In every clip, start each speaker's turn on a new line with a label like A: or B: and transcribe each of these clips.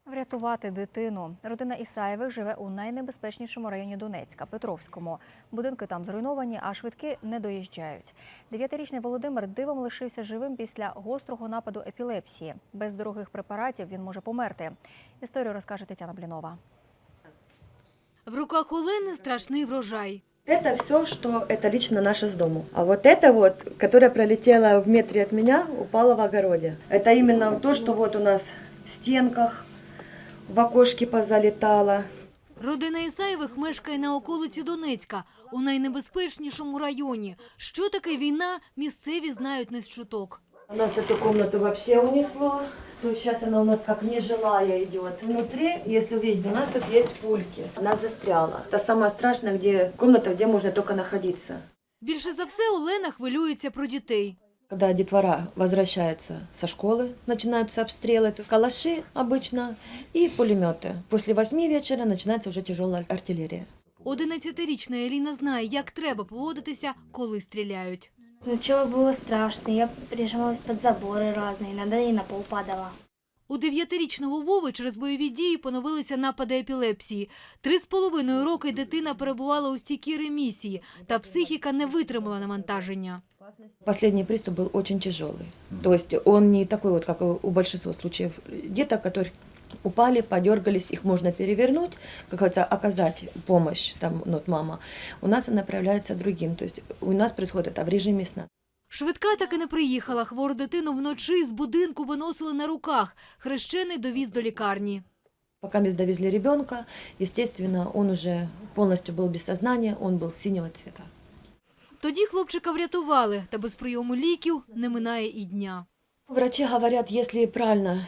A: Врятувати дитину. Родина Ісаєвих живе у найнебезпечнішому районі Донецька – Петровському. Будинки там зруйновані, а швидкі не доїжджають. 9-річний Володимир дивом лишився живим після гострого нападу епілепсії. Без дорогих препаратів він може померти. Історію розкаже Тетяна Блінова.
B: В руках Олени страшний врожай.
C: Это все, что это лично наше с дому. А вот это вот, которая пролетела в метре от меня, упала в огороде. Это именно то, что вот у нас в стенках, в окошке позалетало.
B: Родина Ісаєвих мешкає на околиці Донецька, у найнебезпечнішому районі. Що таке війна, місцеві знають не з чуток.
C: У нас эту комнату вообще унесло. То есть сейчас она у нас как нежилая идет. Внутри, если увидите, у нас тут есть пульки. Она застряла. Это самое страшное, где комната, где можно только находиться.
B: Більше за все Олена хвилюється про дітей.
C: Когда детвора возвращается со школы, начинаются обстрелы, калаши обычно и пулеметы. После 8 вечера начинается уже тяжелая артиллерия.
B: 11-річна Еліна знає, як треба поводитися, коли стріляють.
D: Сначала было страшно, я прижималась под заборы разные, иногда и на пол падала.
B: У 9-річного Вови через бойові дії поновилися напади епілепсії. 3,5 роки дитина перебувала у стійкій ремісії, та психіка не витримала навантаження.
C: Последний приступ был очень тяжелый. То есть он не такой вот, как у большинства случаев деток, которые упали, подергались, их можно перевернуть, как говорится, оказать помощь, там, вот мама. У нас она проявляется другим, то есть у нас происходит это в режиме сна.
B: Швидка таки не приїхала. Хвору дитину вночі з будинку виносили на руках. Хрещений довіз до лікарні.
C: Пока мы довезли ребенка, естественно, он уже полностью был без сознания, он был синего цвета.
B: Тоді хлопчика врятували, та без прийому ліків не минає і дня.
C: Врачи говорят, если правильно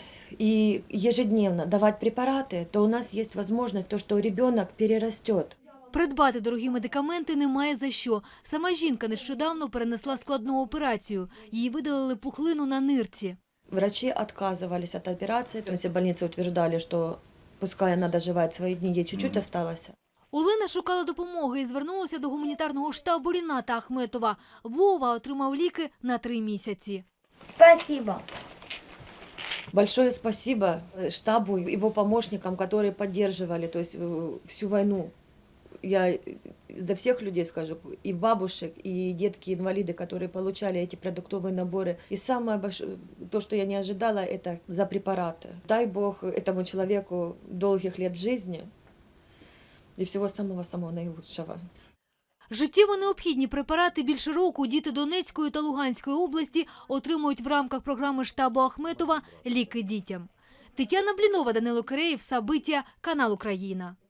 C: и ежедневно давать препараты, то у нас есть возможность, то, что ребенок перерастет.
B: Придбати дорогі медикаменти немає за що. Сама жінка нещодавно перенесла складну операцію. Їй видалили пухлину на нирці.
C: Врачи отказывались от операции, то есть больницы утверждали, что пускай она доживает свои дни, ей чуть-чуть осталось.
B: Олена шукала допомоги і звернулася до гуманітарного штабу Ріната Ахметова. Вова отримав ліки на 3 місяці.
D: Спасибо.
C: Большое спасибо штабу, его помощникам, которые поддерживали, то есть всю войну. Я за всех людей скажу, и бабушек, и детки-инвалиды, которые получали эти продуктовые наборы. И самое большое, то, что я не ожидала, это за препараты. Дай Бог этому человеку долгих лет жизни и всего самого-самого наилучшего.
B: Життєво необхідні препарати більше року діти Донецької та Луганської області отримують в рамках програми штабу Ахметова «Ліки дітям». Тетяна Блінова, Данило Киреєв, Сабиття, канал Україна.